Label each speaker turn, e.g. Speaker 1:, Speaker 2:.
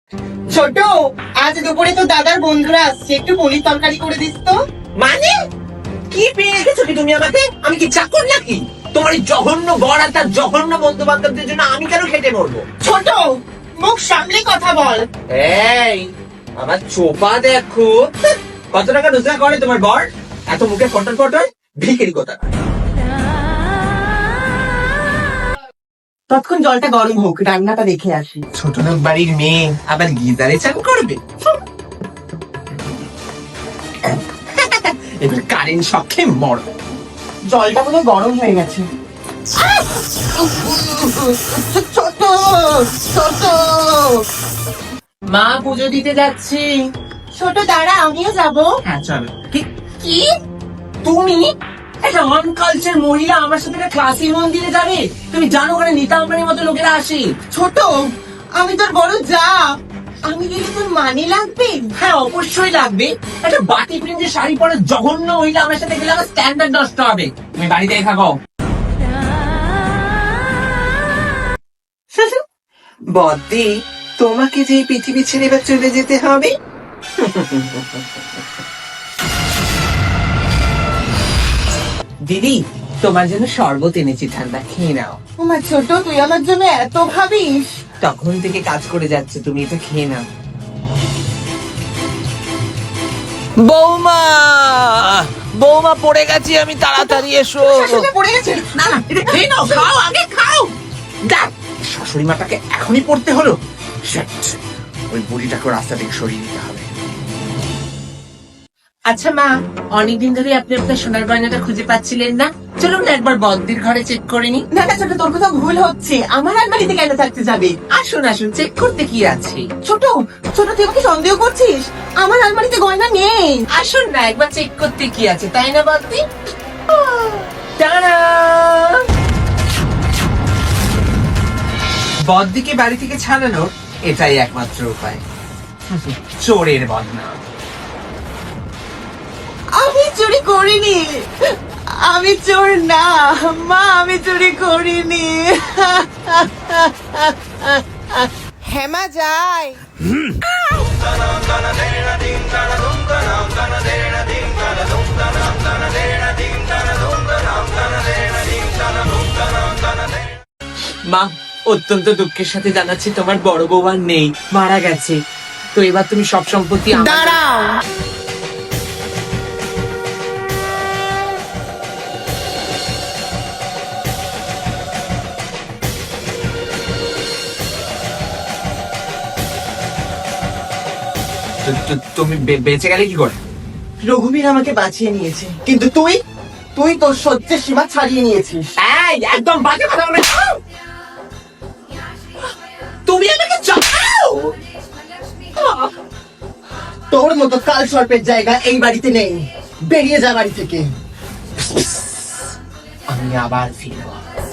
Speaker 1: ছোট, আজ দুপুরে তো দাদার বন্ধুরা আসছে, একটু পনির তরকারি করে দিস তো।
Speaker 2: মানে কি পেয়ে রেখেছো কি তুমি আমাকে? আমি কি চাকর নাকি? তোমার এই জঘন্য বর আর তার জঘন্য বন্ধু বান্ধবদের জন্য আমি কেন খেটে মরবো?
Speaker 1: ছোট, মুখ সামলে কথা বল।
Speaker 2: এই আমার চোপা দেখো। কত টাকা রোজগার করে তোমার বর? এত মুখে ফটর ফটর ভিখারি কথা।
Speaker 1: তৎক্ষণ জলটা গরম হোক, রান্নাটা দেখে আসি।
Speaker 2: ছোট লোক বাড়ির মেয়ে আবার গিজারে চান করবে? এবার কারেন্ট শখে মর।
Speaker 1: জলটা পুরো গরম হয়ে গেছে। ছোট, ছোট।
Speaker 2: মা পুজো দিতে যাচ্ছি।
Speaker 1: ছোট দাঁড়া, আমিও যাবো।
Speaker 2: হ্যাঁ চলো। কি
Speaker 1: কি?
Speaker 2: তুমি একটা আনকালচার মহিলা আমার সাথে একটা ক্লাসি মন্দিরে যাবে? তুমি জানো ওখানে নিতা আম্বানির মতো লোকেরা আসে।
Speaker 1: ছোট, আমি তোর বড় যা, আমি গেলে তোর মানে লাগবে?
Speaker 2: হ্যাঁ অবশ্যই লাগবে। একটা বাটি প্রিন্টের শাড়ি পরে জঘন্য মহিলা আমার সাথে গেলে আমার স্ট্যান্ডার্ড নষ্ট হবে। তুমি বাড়িতে থাকো। বদ্দি, তোমাকে যে পৃথিবী ছেড়ে এবার চলে যেতে হবে। দিদি, তোমার জন্য শরবত এনেছি, ঠান্ডা খেয়ে নাও।
Speaker 1: আমার ছোট, তুই আমার জন্য এত ভাবিস?
Speaker 2: তখন থেকে কাজ করে যাচ্ছে, তুমি এটা খেয়ে নাও।
Speaker 3: বৌমা, বৌমা পড়ে গেছি আমি, তাড়াতাড়ি এসো।
Speaker 1: শাশুড়ি পড়ে গেছে।
Speaker 2: না না, এটা খেয়ে নাও, খাও, আগে খাও। দেখ, শাশুড়ি মাটাকে এখনই পড়তে হলো। Shit, ওই বুড়িটাকে রাস্তা থেকে সরিয়ে দিতে হবে। আচ্ছা মা, অনেকদিন ধরে আপনি আপনার সোনার গয়নাটা খুঁজে পাচ্ছিলেন না? চলুন না একবার বদ্দির ঘরে চেক করে নি।
Speaker 1: না না ছোট, তোর কোথাও ভুল হচ্ছে। আমার আলমারিতে কেন থাকতে যাবে?
Speaker 2: আসুন আসুন, চেক করতে কি আছে?
Speaker 1: ছোট, ছোট, তুই আমাকে সন্দেহ করছিস? আমার আলমারিতে গয়না নেই।
Speaker 2: আসুন না একবার চেক করতে কি আছে, তাই না বদ্দি? টানা! বদ্দিকে বাড়ি থেকে ছাড়ানোর এটাই একমাত্র উপায়। চোরের বদনাম।
Speaker 1: আমি চুরি করিনি, আমি চোর না মা, আমি চুরি করিনি। হেমা যায়।
Speaker 2: মা, অত্যন্ত দুঃখের সাথে জানাচ্ছি তোমার বড় বউ আর নেই, মারা গেছে। তো এবার তুমি সব সম্পত্তি
Speaker 1: দাঁড়াও,
Speaker 2: তুমি বেঁচে গেলে কি করে?
Speaker 1: রঘুবীর আমাকে বাঁচিয়ে নিয়েছে, কিন্তু তুই, তুই তোর সহ্যের সীমা ছাড়িয়ে নিয়েছিস।
Speaker 2: এই একদম বাজে কথা বলবে না। তুমি আমাকে চাও?
Speaker 1: তোর মতো কাল সর্পের জায়গা এই বাড়িতে নেই, বেরিয়ে যা বাড়ি থেকে।
Speaker 2: আমি আবার ফিরবো।